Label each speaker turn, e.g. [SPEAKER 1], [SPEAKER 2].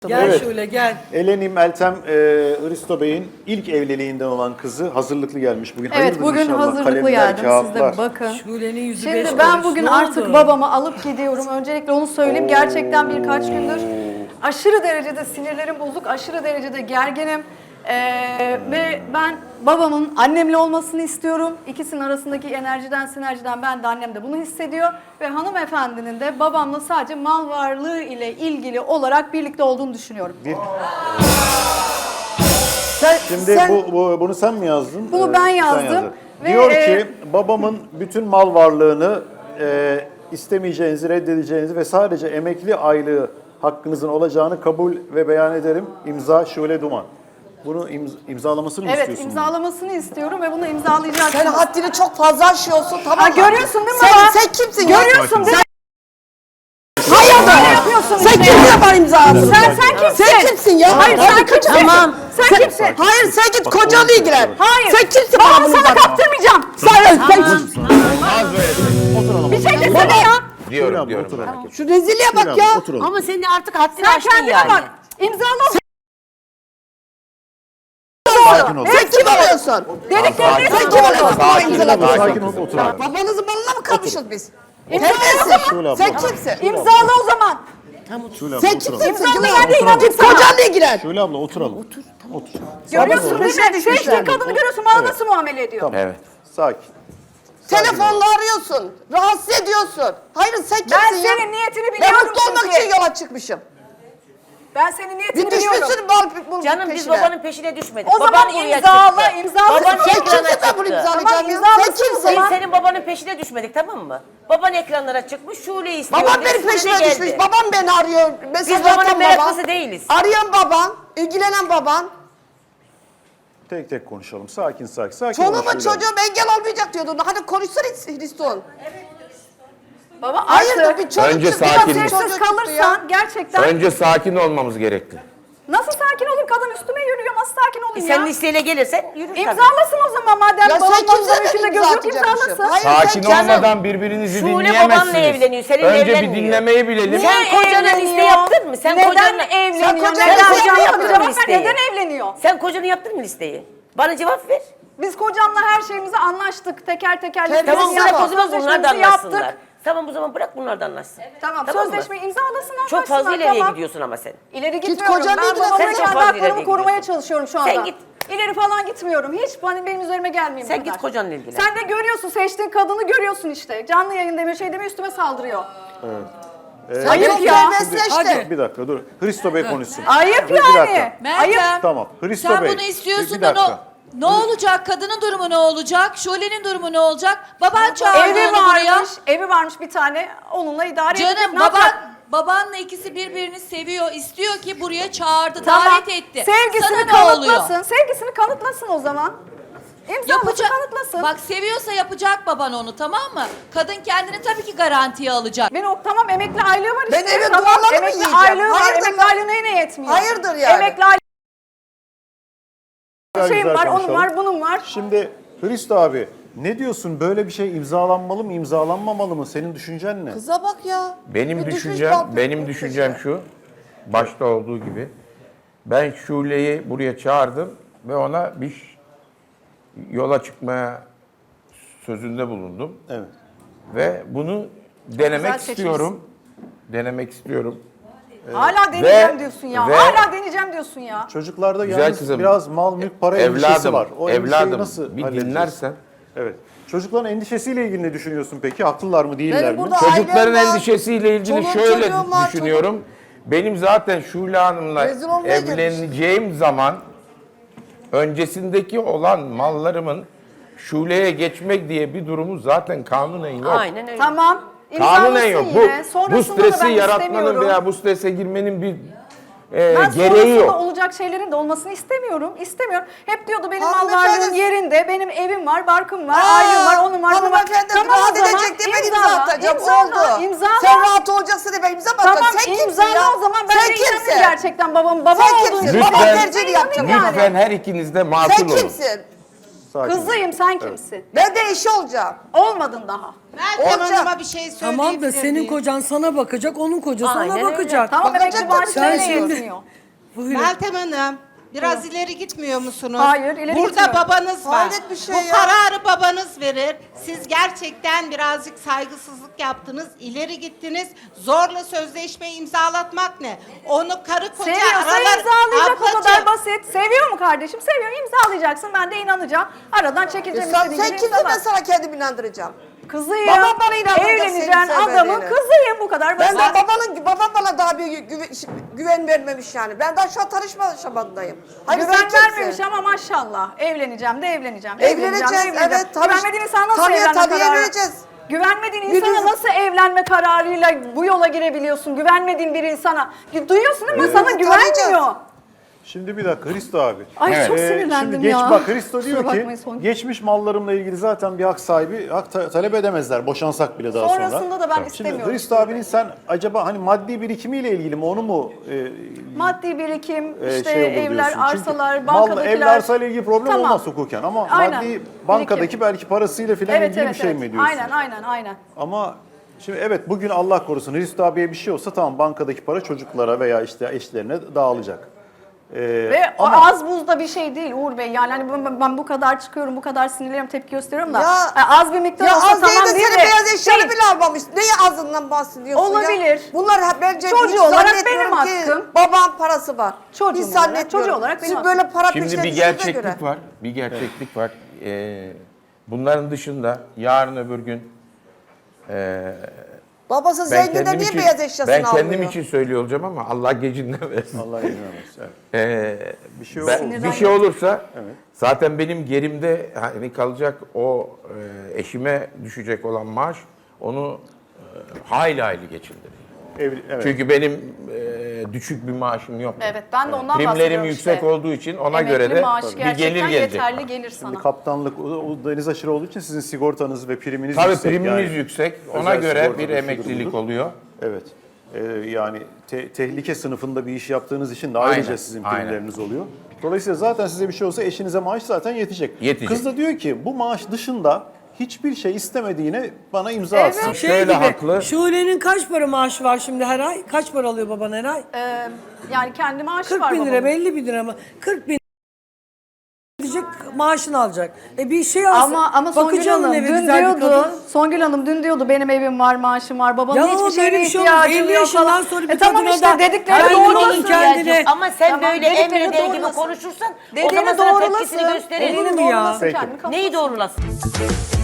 [SPEAKER 1] Gel
[SPEAKER 2] Evet.
[SPEAKER 1] şöyle gel.
[SPEAKER 2] Eleni Meltem Hristo Bey'in ilk evliliğinden olan kızı hazırlıklı gelmiş bugün.
[SPEAKER 3] Evet,
[SPEAKER 2] Hayırdır
[SPEAKER 3] bugün
[SPEAKER 2] inşallah.
[SPEAKER 3] hazırlıklı
[SPEAKER 2] Kalemler,
[SPEAKER 3] geldim. Siz
[SPEAKER 2] kağıtlar.
[SPEAKER 3] de bakın.
[SPEAKER 1] Şule'nin yüzü beş
[SPEAKER 3] Şimdi ben
[SPEAKER 1] kuruş.
[SPEAKER 3] bugün
[SPEAKER 1] Ne
[SPEAKER 3] artık
[SPEAKER 1] oldu?
[SPEAKER 3] babamı alıp gidiyorum. Öncelikle onu söyleyeyim. Gerçekten birkaç gündür aşırı derecede sinirlerim bozuk, aşırı derecede gerginim. Ve ben babamın annemle olmasını istiyorum. İkisinin arasındaki sinerjiden ben de annem de bunu hissediyor. Ve hanımefendinin de babamla sadece mal varlığı ile ilgili olarak birlikte olduğunu düşünüyorum.
[SPEAKER 2] Şimdi bunu sen mi yazdın?
[SPEAKER 3] Bunu ben
[SPEAKER 2] Sen
[SPEAKER 3] yazdım.
[SPEAKER 2] yazdın.
[SPEAKER 3] Ve,
[SPEAKER 2] Diyor ki babamın bütün mal varlığını istemeyeceğinizi, reddedeceğinizi ve sadece emekli aylığı hakkınızın olacağını kabul ve beyan ederim. İmza Şule Duman. Bunu imzalamasını mı
[SPEAKER 3] Evet,
[SPEAKER 2] istiyorsun?
[SPEAKER 3] imzalamasını istiyorum ve bunu imzalayacağım.
[SPEAKER 4] Sen haddini çok fazla aşıyorsun, tamam mı?
[SPEAKER 3] Görüyorsun değil mi
[SPEAKER 4] sen,
[SPEAKER 3] baba?
[SPEAKER 4] Sen kimsin ya?
[SPEAKER 3] Görüyorsun değil mi?
[SPEAKER 4] Hayır
[SPEAKER 3] yapıyorsun
[SPEAKER 4] Sen
[SPEAKER 3] işte.
[SPEAKER 4] kim yapar imzasını?
[SPEAKER 3] Sen kimsin?
[SPEAKER 4] Sen kimsin ya?
[SPEAKER 3] Hayır, sen kimsin?
[SPEAKER 4] Tamam.
[SPEAKER 3] Sen kimsin?
[SPEAKER 4] Hayır sen git kocanla ilgilen.
[SPEAKER 3] Hayır.
[SPEAKER 4] Sen kimsin?
[SPEAKER 3] Babamı
[SPEAKER 4] bana bunu
[SPEAKER 3] sana
[SPEAKER 4] bak?
[SPEAKER 3] kaptırmayacağım.
[SPEAKER 4] Sen
[SPEAKER 2] Oturalım.
[SPEAKER 3] Bir şey desene ya.
[SPEAKER 2] Şule abla oturalım.
[SPEAKER 4] Şu rezilliğe
[SPEAKER 2] Şule
[SPEAKER 4] bak
[SPEAKER 2] abla,
[SPEAKER 4] ya.
[SPEAKER 2] oturalım.
[SPEAKER 5] Ama senin artık haddini
[SPEAKER 3] Sen
[SPEAKER 5] aştın
[SPEAKER 3] kendine
[SPEAKER 5] yani.
[SPEAKER 3] bak. İmzala.
[SPEAKER 2] Sakin ol.
[SPEAKER 4] Sen kim oluyorsun?
[SPEAKER 3] Dediklerini
[SPEAKER 4] Sen kim oluyorsun? Bana imzaladın.
[SPEAKER 2] Sakin ol, oturalım.
[SPEAKER 4] Babanızın malına mı kalmışız biz?
[SPEAKER 3] İmzala.
[SPEAKER 2] Şule abla.
[SPEAKER 4] Sen kimsin?
[SPEAKER 3] İmzala o zaman.
[SPEAKER 2] Şule abla
[SPEAKER 4] Sen
[SPEAKER 2] oturalım.
[SPEAKER 4] kimsin?
[SPEAKER 3] İmzala, ben de inandım
[SPEAKER 4] Git
[SPEAKER 3] sana.
[SPEAKER 4] kocanla ilgilen.
[SPEAKER 2] Şule abla oturalım. Otur. Otur.
[SPEAKER 3] Görüyorsun değil
[SPEAKER 4] peşine
[SPEAKER 3] mi?
[SPEAKER 4] düşmüşler.
[SPEAKER 3] Seçtiğin kadını görüyorsun. Bana nasıl muamele ediyor?
[SPEAKER 2] Tamam.
[SPEAKER 5] Evet.
[SPEAKER 2] Sakin.
[SPEAKER 4] Telefonla arıyorsun. Rahatsız ediyorsun. Hayır sen kimsin
[SPEAKER 3] Ben
[SPEAKER 4] ya?
[SPEAKER 3] senin niyetini
[SPEAKER 4] Ben
[SPEAKER 3] biliyorum
[SPEAKER 4] mutlu olmak
[SPEAKER 3] çünkü.
[SPEAKER 4] için yola çıkmışım.
[SPEAKER 3] Ben senin niyetini
[SPEAKER 4] Bir
[SPEAKER 3] biliyorum.
[SPEAKER 4] düşmüşsün bunun
[SPEAKER 5] Canım biz
[SPEAKER 4] peşine.
[SPEAKER 5] babanın peşine düşmedik.
[SPEAKER 3] O zaman
[SPEAKER 5] Baban buraya
[SPEAKER 3] imzala,
[SPEAKER 5] çıktı.
[SPEAKER 3] imzala.
[SPEAKER 5] Baban
[SPEAKER 4] Sen
[SPEAKER 5] ekrana
[SPEAKER 4] kimsin ben bunu
[SPEAKER 5] çıktı.
[SPEAKER 4] imzalayacağım
[SPEAKER 3] Tamam,
[SPEAKER 4] ya?
[SPEAKER 3] imzalasın
[SPEAKER 4] Sen
[SPEAKER 3] o
[SPEAKER 4] kimsin?
[SPEAKER 3] zaman.
[SPEAKER 5] Biz senin babanın peşine düşmedik, tamam mı? Baban ekranlara çıkmış, Şule'yi istiyor.
[SPEAKER 4] Babam
[SPEAKER 5] dedi,
[SPEAKER 4] benim
[SPEAKER 5] Şule
[SPEAKER 4] peşime
[SPEAKER 5] geldi.
[SPEAKER 4] düşmüş. Babam beni arıyor. Mesaj
[SPEAKER 5] Biz babanın
[SPEAKER 4] atan
[SPEAKER 5] meraklısı
[SPEAKER 4] baban.
[SPEAKER 5] değiliz.
[SPEAKER 4] Arayan baban. İlgilenen baban.
[SPEAKER 2] Tek tek konuşalım. Sakin. Sakin
[SPEAKER 4] Çoluğuma
[SPEAKER 2] ol Şule abla.
[SPEAKER 4] çocuğum engel olmayacak diyordun. Hadi konuşsana Hristo'nun.
[SPEAKER 3] Baba
[SPEAKER 4] Hayırdır
[SPEAKER 3] artık
[SPEAKER 4] bir çocuk
[SPEAKER 6] Önce
[SPEAKER 4] çıktı.
[SPEAKER 6] sakin.
[SPEAKER 4] bir
[SPEAKER 3] sessiz
[SPEAKER 4] çocuk çıktı ya.
[SPEAKER 3] kalırsan gerçekten
[SPEAKER 6] Önce sakin olmamız gerekli.
[SPEAKER 3] nasıl sakin olayım? Kadın üstüme yürüyor. Nasıl sakin olayım
[SPEAKER 5] Sen
[SPEAKER 3] ya?
[SPEAKER 5] listeyle gelirsen yürür tabii.
[SPEAKER 3] İmzalasın o zaman madem
[SPEAKER 4] Ya
[SPEAKER 3] babam
[SPEAKER 4] sen kimse
[SPEAKER 3] babamın içinde göz yok imzalasın.
[SPEAKER 4] Hayır
[SPEAKER 6] Sakin
[SPEAKER 4] sen
[SPEAKER 6] olmadan birbirinizi
[SPEAKER 5] Şule
[SPEAKER 6] dinleyemezsiniz.
[SPEAKER 5] babanla evleniyor, seninle
[SPEAKER 6] Önce bir
[SPEAKER 5] evlenmiyor.
[SPEAKER 6] dinlemeyi bilelim.
[SPEAKER 5] Sen kocana liste yaptın mı? Sen
[SPEAKER 3] Neden
[SPEAKER 5] kocanla
[SPEAKER 3] evleniyor?
[SPEAKER 4] Sen kocanla
[SPEAKER 3] Neden
[SPEAKER 4] liste
[SPEAKER 3] kocan
[SPEAKER 4] yaptın mı
[SPEAKER 3] yapacak?
[SPEAKER 5] listeyi?
[SPEAKER 3] Neden evleniyor?
[SPEAKER 5] Sen kocanı yaptın mı listeyi? Bana cevap ver.
[SPEAKER 3] Biz kocamla her şeyimizi anlaştık. Teker teker
[SPEAKER 4] Tamam,
[SPEAKER 3] listemizi
[SPEAKER 4] bırak
[SPEAKER 3] yaptık,
[SPEAKER 5] O zaman bunlar da
[SPEAKER 3] sözleşmemizi
[SPEAKER 5] anlaşsınlar.
[SPEAKER 3] yaptık.
[SPEAKER 5] Tamam o zaman bırak bunlar da anlaşsın.
[SPEAKER 3] Tamam,
[SPEAKER 5] mı?
[SPEAKER 3] sözleşmeyi imzalasın anlaşsınlar.
[SPEAKER 5] Çok fazla ileriye
[SPEAKER 3] tamam.
[SPEAKER 5] gidiyorsun ama sen.
[SPEAKER 3] İleri
[SPEAKER 4] Git
[SPEAKER 3] gitmiyorum.
[SPEAKER 4] kocanla
[SPEAKER 3] Ben
[SPEAKER 4] ilgilen.
[SPEAKER 3] babamın
[SPEAKER 5] Sen çok
[SPEAKER 3] kendi
[SPEAKER 5] fazla
[SPEAKER 3] haklarımı
[SPEAKER 5] ileriye
[SPEAKER 3] korumaya
[SPEAKER 5] gidiyorsun.
[SPEAKER 3] çalışıyorum şu anda.
[SPEAKER 5] Sen git.
[SPEAKER 3] İleri falan gitmiyorum. Hiç benim üzerime gelmeyin
[SPEAKER 5] Sen
[SPEAKER 3] bu kadar.
[SPEAKER 5] git kocanla ilgilen.
[SPEAKER 3] Sen de görüyorsun, seçtiğin kadını görüyorsun işte. Canlı yayın deme şey deme üstüme saldırıyor. Ayıp
[SPEAKER 4] Ayıp
[SPEAKER 3] ya.
[SPEAKER 4] ya. Mesleşti.
[SPEAKER 2] Bir dakika dur. Hristo Bey konuşsun.
[SPEAKER 3] Ayıp
[SPEAKER 2] Bir
[SPEAKER 3] yani.
[SPEAKER 2] dakika.
[SPEAKER 3] Ayıp.
[SPEAKER 7] Meltem,
[SPEAKER 2] Tamam. Hristo
[SPEAKER 7] sen
[SPEAKER 2] Bey.
[SPEAKER 7] bunu istiyorsun
[SPEAKER 2] bir
[SPEAKER 7] da
[SPEAKER 2] dakika.
[SPEAKER 7] ne olacak? Kadının durumu ne olacak? Şule'nin durumu ne olacak? Baban çağırdı
[SPEAKER 3] Evi
[SPEAKER 7] onu buraya.
[SPEAKER 3] varmış, evi varmış bir tane. Onunla idare edecek.
[SPEAKER 7] Canım
[SPEAKER 3] Ne yapacak?
[SPEAKER 7] babanla ikisi birbirini seviyor. İstiyor ki buraya çağırdı,
[SPEAKER 3] Tamam.
[SPEAKER 7] davet etti.
[SPEAKER 3] Sevgisini
[SPEAKER 7] Sana ne oluyor?
[SPEAKER 3] kanıtlasın. Sevgisini kanıtlasın o zaman. İmzalasın,
[SPEAKER 7] Yapacak.
[SPEAKER 3] kanıtlasın.
[SPEAKER 7] Bak seviyorsa yapacak baban onu, tamam mı? Kadın kendini tabii ki garantiye alacak.
[SPEAKER 3] Ben tamam emekli aylığı var işte.
[SPEAKER 4] Ben eve
[SPEAKER 3] tamam,
[SPEAKER 4] duvarları mı
[SPEAKER 3] emekli
[SPEAKER 4] yiyeceğim?
[SPEAKER 3] aylığı var.
[SPEAKER 4] Hayırdır
[SPEAKER 3] Emekli
[SPEAKER 4] lan?
[SPEAKER 3] aylığı neyine yetmiyor?
[SPEAKER 4] Hayırdır yani?
[SPEAKER 3] Emekli aylığı şeyim
[SPEAKER 2] Güzel
[SPEAKER 3] var, onun
[SPEAKER 2] konuşalım.
[SPEAKER 3] var, bunun var.
[SPEAKER 2] Şimdi Hristo abi ne diyorsun? Böyle bir şey imzalanmalı mı, imzalanmamalı mı? Senin düşüncen ne?
[SPEAKER 4] Kıza bak ya.
[SPEAKER 6] Benim
[SPEAKER 4] Bir düşmüş
[SPEAKER 6] düşüncem,
[SPEAKER 4] balkona
[SPEAKER 6] benim düşüncem şu. Başta olduğu gibi. Ben Şule'yi buraya çağırdım ve ona bir yola çıkmaya sözünde bulundum.
[SPEAKER 2] Evet.
[SPEAKER 6] Ve bunu denemek
[SPEAKER 3] Güzel
[SPEAKER 6] istiyorum. Denemek istiyorum.
[SPEAKER 3] Hala deneyeceğim
[SPEAKER 6] ve-
[SPEAKER 3] diyorsun ya.
[SPEAKER 6] ve-
[SPEAKER 3] Hala deneyeceğim diyorsun ya.
[SPEAKER 2] Çocuklarda
[SPEAKER 6] Güzel
[SPEAKER 2] yalnız
[SPEAKER 6] kızım.
[SPEAKER 2] biraz mal, mülk, para endişesi
[SPEAKER 6] Evladım,
[SPEAKER 2] var. O endişeyi
[SPEAKER 6] evladım
[SPEAKER 2] nasıl
[SPEAKER 6] bir
[SPEAKER 2] halledeceğiz?
[SPEAKER 6] dinlersen.
[SPEAKER 2] Evet. Çocukların endişesiyle ilgili ne düşünüyorsun peki? Haklılar mı, değiller
[SPEAKER 4] Benim
[SPEAKER 2] mi?
[SPEAKER 4] burada
[SPEAKER 6] Çocukların
[SPEAKER 4] ailem var,
[SPEAKER 6] endişesiyle ilgili
[SPEAKER 4] çoluğum
[SPEAKER 6] şöyle
[SPEAKER 4] çocuğum var,
[SPEAKER 6] düşünüyorum. Benim zaten Şule Hanım'la
[SPEAKER 4] Rezil olmaya
[SPEAKER 6] evleneceğim zaman öncesindeki olan mallarımın Şule'ye geçmek diye bir durumu zaten kanunen yok.
[SPEAKER 5] Aynen öyle.
[SPEAKER 3] Tamam.
[SPEAKER 6] Kanunen
[SPEAKER 3] İmzalasın
[SPEAKER 6] yok.
[SPEAKER 3] yine.
[SPEAKER 6] Bu
[SPEAKER 3] Sonrasında da
[SPEAKER 6] stresi
[SPEAKER 3] ben
[SPEAKER 6] yaratmanın
[SPEAKER 3] istemiyorum.
[SPEAKER 6] veya bu strese girmenin bir
[SPEAKER 3] Ben
[SPEAKER 6] gereği
[SPEAKER 3] sonrasında
[SPEAKER 6] yok.
[SPEAKER 3] olacak şeylerin de olmasını istemiyorum. İstemiyorum. Hep diyordu benim mal
[SPEAKER 4] Hanımefendi-
[SPEAKER 3] varlığım yerinde, benim evim var, barkım var, ailem var, onun var, bunun var.
[SPEAKER 4] Hanımefendi
[SPEAKER 3] Tamam
[SPEAKER 4] rahat
[SPEAKER 3] o zaman
[SPEAKER 4] edecek diye ben imza
[SPEAKER 3] imzala,
[SPEAKER 4] atacağım.
[SPEAKER 3] imzala,
[SPEAKER 4] Oldu.
[SPEAKER 3] imzala.
[SPEAKER 4] Sen rahat olacaksın diye ben imza mı atacağım?
[SPEAKER 3] Tamam
[SPEAKER 4] Sen kimsin
[SPEAKER 3] imzala
[SPEAKER 4] ya?
[SPEAKER 3] o zaman ben
[SPEAKER 4] Sen
[SPEAKER 3] de inanayım
[SPEAKER 4] kimsin?
[SPEAKER 3] gerçekten babam
[SPEAKER 4] Sen
[SPEAKER 3] olduğunu
[SPEAKER 4] kimsin?
[SPEAKER 3] düşünüyorum.
[SPEAKER 4] Baba
[SPEAKER 6] Lütfen,
[SPEAKER 4] tercihini yapacağım
[SPEAKER 3] yani.
[SPEAKER 6] lütfen her ikiniz de
[SPEAKER 4] Sen
[SPEAKER 6] makul olun.
[SPEAKER 4] kimsin?
[SPEAKER 2] Sakin.
[SPEAKER 3] Kızıyım, sen kimsin?
[SPEAKER 4] Ben de eşi olacağım.
[SPEAKER 3] Olmadın daha.
[SPEAKER 1] Meltem
[SPEAKER 4] Olacak.
[SPEAKER 1] Hanım'a bir şey söyleyebilir
[SPEAKER 8] Tamam da senin
[SPEAKER 1] miyim?
[SPEAKER 8] kocan sana bakacak, onun kocası
[SPEAKER 5] Aynen
[SPEAKER 8] ona
[SPEAKER 5] öyle.
[SPEAKER 8] bakacak.
[SPEAKER 3] Tamam,
[SPEAKER 4] Bakacak
[SPEAKER 3] emekli
[SPEAKER 4] tabii,
[SPEAKER 3] maaşı
[SPEAKER 8] sen
[SPEAKER 3] nereye
[SPEAKER 8] şimdi-
[SPEAKER 3] yetmiyor?
[SPEAKER 8] Buyurun.
[SPEAKER 1] Meltem Hanım, biraz ileri gitmiyor musunuz?
[SPEAKER 3] Hayır, ileri
[SPEAKER 1] Burada
[SPEAKER 3] gitmiyorum.
[SPEAKER 1] babanız var.
[SPEAKER 4] Hayret bir şey
[SPEAKER 1] Bu
[SPEAKER 4] ya.
[SPEAKER 1] kararı babanız verir. Siz gerçekten birazcık saygısızlık yaptınız, ileri gittiniz. Zorla sözleşme imzalatmak ne? Onu karı koca
[SPEAKER 3] Seviyorsa
[SPEAKER 1] aralar...
[SPEAKER 3] imzalayacak, o kadar
[SPEAKER 1] Ablacığım,
[SPEAKER 3] basit. Seviyor mu kardeşim? Seviyor, imzalayacaksın. Ben de inanacağım. Aradan çekileceğim.
[SPEAKER 4] Sen
[SPEAKER 3] istediğin gibi
[SPEAKER 4] kimsin,
[SPEAKER 3] imzala.
[SPEAKER 4] ben sana kendimi inandıracağım.
[SPEAKER 3] Kızıyım.
[SPEAKER 4] Babam bana inandıracak
[SPEAKER 3] Evleneceğin
[SPEAKER 4] seni
[SPEAKER 3] adamın
[SPEAKER 4] sevmediğini.
[SPEAKER 3] kızıyım, bu kadar
[SPEAKER 4] Ben
[SPEAKER 3] basit.
[SPEAKER 4] de babam bana daha bir güven vermemiş yani. Ben daha şu an tanışma aşamadayım. Hayır,
[SPEAKER 3] Güven
[SPEAKER 4] sen kimsin?
[SPEAKER 3] vermemiş ama maşallah. Evleneceğim de evleneceğim.
[SPEAKER 4] Evleneceğiz, evet.
[SPEAKER 3] Güvenmediğin insana nasıl evlenme kararı?
[SPEAKER 4] evleneceğiz.
[SPEAKER 3] Güvenmediğin insana
[SPEAKER 4] Birbirimizi-
[SPEAKER 3] nasıl evlenme kararıyla bu yola girebiliyorsun? Güvenmediğin bir insana. Duyuyorsun değil mi? Sana
[SPEAKER 4] Birbirimizi
[SPEAKER 3] güvenmiyor.
[SPEAKER 4] tanıyacağız.
[SPEAKER 2] Şimdi bir dakika Hristo abi.
[SPEAKER 3] Ay çok
[SPEAKER 2] Şimdi
[SPEAKER 3] sinirlendim
[SPEAKER 2] geç
[SPEAKER 3] ya.
[SPEAKER 2] bak Hristo diyor
[SPEAKER 3] Kusura
[SPEAKER 2] ki
[SPEAKER 3] bakmayın, son-
[SPEAKER 2] geçmiş mallarımla ilgili zaten bir hak sahibi talep edemezler. Boşansak bile daha sonra.
[SPEAKER 3] Sonrasında da ben
[SPEAKER 2] Şimdi
[SPEAKER 3] istemiyorum.
[SPEAKER 2] Hristo abinin sen acaba hani maddi birikimiyle ilgili mi onu mu
[SPEAKER 3] Maddi birikim, işte
[SPEAKER 2] şey olur
[SPEAKER 3] evler,
[SPEAKER 2] diyorsun? Çünkü
[SPEAKER 3] arsalar,
[SPEAKER 2] mal,
[SPEAKER 3] bankadakiler.
[SPEAKER 2] evle arsayla ilgili problem
[SPEAKER 3] Tamam.
[SPEAKER 2] olmaz hukuken ama
[SPEAKER 3] Aynen.
[SPEAKER 2] maddi bankadaki
[SPEAKER 3] Birikim.
[SPEAKER 2] belki parasıyla filan
[SPEAKER 3] Evet,
[SPEAKER 2] ilgili
[SPEAKER 3] evet,
[SPEAKER 2] bir şey
[SPEAKER 3] evet.
[SPEAKER 2] mi diyorsun?
[SPEAKER 3] Aynen.
[SPEAKER 2] Ama şimdi evet bugün Allah korusun Hristo abiye bir şey olsa tamam bankadaki para çocuklara veya işte eşlerine dağılacak.
[SPEAKER 3] Ve o
[SPEAKER 2] ama
[SPEAKER 3] az buzda bir şey değil Uğur Bey. Yani hani ben bu kadar çıkıyorum, bu kadar sinirleniyorum, tepki gösteriyorum da.
[SPEAKER 4] Ya-
[SPEAKER 3] Az bir miktar
[SPEAKER 4] Ya
[SPEAKER 3] olsa
[SPEAKER 4] az değil
[SPEAKER 3] tamam
[SPEAKER 4] de
[SPEAKER 3] değil
[SPEAKER 4] senin
[SPEAKER 3] de.
[SPEAKER 4] beyaz eşyanı
[SPEAKER 3] Değil.
[SPEAKER 4] bile almamış. Neyi azından bahsediyorsun ya?
[SPEAKER 3] Olabilir.
[SPEAKER 4] Bunlar bence
[SPEAKER 3] Çocuğu
[SPEAKER 4] hiç
[SPEAKER 3] olarak
[SPEAKER 4] zannetmiyorum
[SPEAKER 3] benim
[SPEAKER 4] ki
[SPEAKER 3] hakkım.
[SPEAKER 4] babam parası var.
[SPEAKER 3] Çocuğum
[SPEAKER 4] Hiç
[SPEAKER 3] olarak,
[SPEAKER 4] zannetmiyorum.
[SPEAKER 3] çocuğu olarak benim
[SPEAKER 4] Siz böyle para
[SPEAKER 6] Şimdi
[SPEAKER 4] peşine
[SPEAKER 6] bir
[SPEAKER 4] düştüğünüze
[SPEAKER 6] gerçeklik
[SPEAKER 4] göre.
[SPEAKER 6] var. Bir gerçeklik var. Bunların dışında yarın öbür gün
[SPEAKER 4] Babası
[SPEAKER 6] ben
[SPEAKER 4] zengin de
[SPEAKER 6] kendim
[SPEAKER 4] niye
[SPEAKER 6] için,
[SPEAKER 4] beyaz eşyasını
[SPEAKER 6] ben
[SPEAKER 4] almıyor?
[SPEAKER 6] kendim için söylüyor olacağım ama Allah gecinden versin.
[SPEAKER 2] Allah izin vermesin. Evet. Bir şey olur.
[SPEAKER 6] Bir şey olursa zaten benim gerimde hani kalacak o eşime düşecek olan maaş onu hayli hayli geçindirir.
[SPEAKER 2] Evet.
[SPEAKER 6] Çünkü benim düşük bir maaşım yok.
[SPEAKER 3] Evet, ben de ondan
[SPEAKER 6] Primlerim
[SPEAKER 3] bahsediyorum
[SPEAKER 6] yüksek
[SPEAKER 3] işte.
[SPEAKER 6] olduğu için ona
[SPEAKER 3] Emekli
[SPEAKER 6] göre de
[SPEAKER 3] maaşı
[SPEAKER 6] bir gelir
[SPEAKER 3] gerçekten
[SPEAKER 6] gelecek.
[SPEAKER 3] yeterli gelir sana.
[SPEAKER 2] Şimdi kaptanlık o deniz aşırı olduğu için sizin sigortanız ve priminiz
[SPEAKER 6] Tabii
[SPEAKER 2] yüksek.
[SPEAKER 6] primimiz
[SPEAKER 2] Yani
[SPEAKER 6] yüksek. Ona
[SPEAKER 2] özel
[SPEAKER 6] göre
[SPEAKER 2] sigorta
[SPEAKER 6] bir
[SPEAKER 2] şudur
[SPEAKER 6] emeklilik
[SPEAKER 2] budur.
[SPEAKER 6] oluyor.
[SPEAKER 2] Evet. Yani tehlike sınıfında bir iş yaptığınız için de ayrıca
[SPEAKER 6] Aynen,
[SPEAKER 2] sizin
[SPEAKER 6] aynen.
[SPEAKER 2] primleriniz oluyor. Dolayısıyla zaten size bir şey olsa eşinize maaş zaten yetecek.
[SPEAKER 6] Yetecek.
[SPEAKER 2] Kız da diyor ki bu maaş dışında hiçbir şey istemediğine bana imza
[SPEAKER 3] Evet.
[SPEAKER 2] atsın.
[SPEAKER 6] Şöyle haklı.
[SPEAKER 8] Şule'nin kaç para maaşı var şimdi her ay? Kaç para alıyor baban her ay?
[SPEAKER 3] Yani kendi maaşı
[SPEAKER 8] 40
[SPEAKER 3] var
[SPEAKER 8] bin lira,
[SPEAKER 3] babamın.
[SPEAKER 8] 50 bin lira mı? 40 bin diyecek, maaşını alacak. Bir şey alsın.
[SPEAKER 3] Ama Songül
[SPEAKER 8] bakıcı alın
[SPEAKER 3] Hanım
[SPEAKER 8] eve,
[SPEAKER 3] dün
[SPEAKER 8] güzel bir
[SPEAKER 3] diyordu,
[SPEAKER 8] kadın.
[SPEAKER 3] Songül Hanım dün diyordu benim evim var, maaşım var, babamın
[SPEAKER 8] Ya
[SPEAKER 3] hiçbir şeye
[SPEAKER 8] böyle bir şey olmaz.
[SPEAKER 3] ihtiyacım
[SPEAKER 8] 50
[SPEAKER 3] yok
[SPEAKER 8] yaşından
[SPEAKER 3] falan.
[SPEAKER 8] sonra bir
[SPEAKER 3] Tamam
[SPEAKER 8] kadına
[SPEAKER 3] işte
[SPEAKER 8] da
[SPEAKER 3] dedikleri
[SPEAKER 8] her gün
[SPEAKER 3] doğrulasın.
[SPEAKER 8] onun kendine-
[SPEAKER 5] Ama sen
[SPEAKER 3] Tamam,
[SPEAKER 5] böyle
[SPEAKER 3] dedikleri
[SPEAKER 5] emrediği gibi
[SPEAKER 3] doğrulasın.
[SPEAKER 5] konuşursan o
[SPEAKER 3] Dediğini
[SPEAKER 5] zaman sana
[SPEAKER 3] doğrulasın.
[SPEAKER 5] tepkisini gösterir.
[SPEAKER 3] Dediğini
[SPEAKER 8] Olur mu ya?
[SPEAKER 3] doğrulasın,
[SPEAKER 2] Peki.
[SPEAKER 3] kendini kapatmasın.
[SPEAKER 5] Neyi doğrulasın?